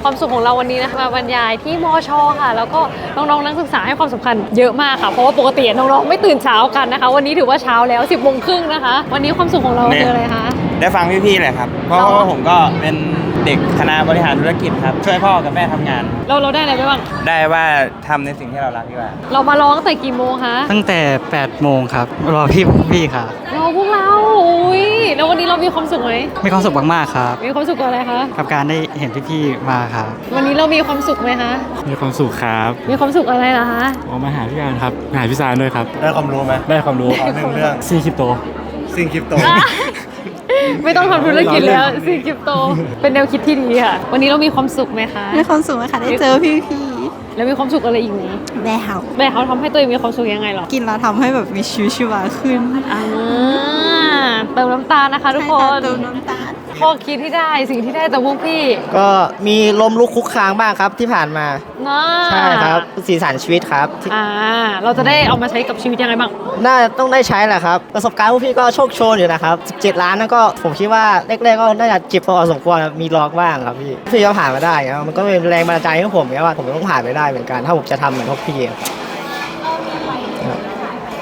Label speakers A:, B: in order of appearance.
A: ความสุขของเราวันนี้นะคะมาบรรยายที่มชค่ะแล้วก็น้องๆนักศึกษาให้ความสำคัญเยอะมากค่ะเพราะว่าปกติน้องๆไม่ตื่นเช้ากันนะคะวันนี้ถือว่าเช้าแล้ว 10 โมงครึ่งนะคะวันนี้ความสุขของเราคืออะไรคะ
B: ได้ฟังพี่ๆเลยครับเพราะว่าผมก็เป็นเด็กคณะบริหารธุรกิจครับช่วยพ่อกับแม่ทำงาน
A: เราได้อะไรไปบ้าง
B: ได้ว่าทำในสิ่งที่เรารักดีกว่า
A: เรามาร้องตั้งแต่กี่โมงคะ
C: ตั้งแต่8 โมงครับรอพี่ค่ะ
A: รอพวกเราอุ้ยแล้ววันนี้เรามีความสุขไหม
C: มีความสุขมากๆครับ
A: มีความสุขกับอะไรคะ
C: กับการได้เห็นพี่ๆมาครับ
A: วันนี้เรามีความสุขไหมคะ
D: มีความสุขครับ
A: มีความสุขอะไรล่ะคะ
D: มาหาพี่การครับมาหาพี่ซานด้วยครับ
B: ได้ความรู้ไหม
D: ได้ความรู้
B: หนึ่งเรื่อง
D: ซีคริปโต
A: ไม่ต้องทำธุรกิจแล้วซีคริปโตเป็นแนวคิดที่ดีค่ะวันนี้เรามีความสุขไหมคะ
E: มีความสุขไหมคะได้เจอพี่
A: แล้วมีความสุขอะไรอีกไหม
E: แม่เฮา
A: แม่เขาทำให้ตัวเองมีความสุขยังไงหรอ
E: กินแล้วทำให้แบบมีชีวิตชีวาขึ้น
A: เติมน้ำตาลนะคะทุกคน
E: เติมน้ำตาล
A: ข้อคิดที่ได้สิ่งที่ได้จากพวกพี่
F: ก็มีล้มลุกคุกคานบ้างครับที่ผ่านมาใช่ครับสีสันชีวิตครับ
A: เราจะได้เอามาใช้กับชีวิตยังไงบ้าง
F: น่าต้องได้ใช้แหละครับประสบการณ์พวกพี่ก็โชคโชนอยู่นะครับ17 ล้านนั่นก็ผมคิดว่าแรกๆก็น่าจะเจ็บพอสมควรมีล็อกบ้างครับพี่ก็ผ่านมาได้ครับมันก็เป็นแรงบันดาลใจให้ผมว่าผมต้องผ่านไปได้เหมือนกันถ้าผมจะทำเหมือนพวกพี่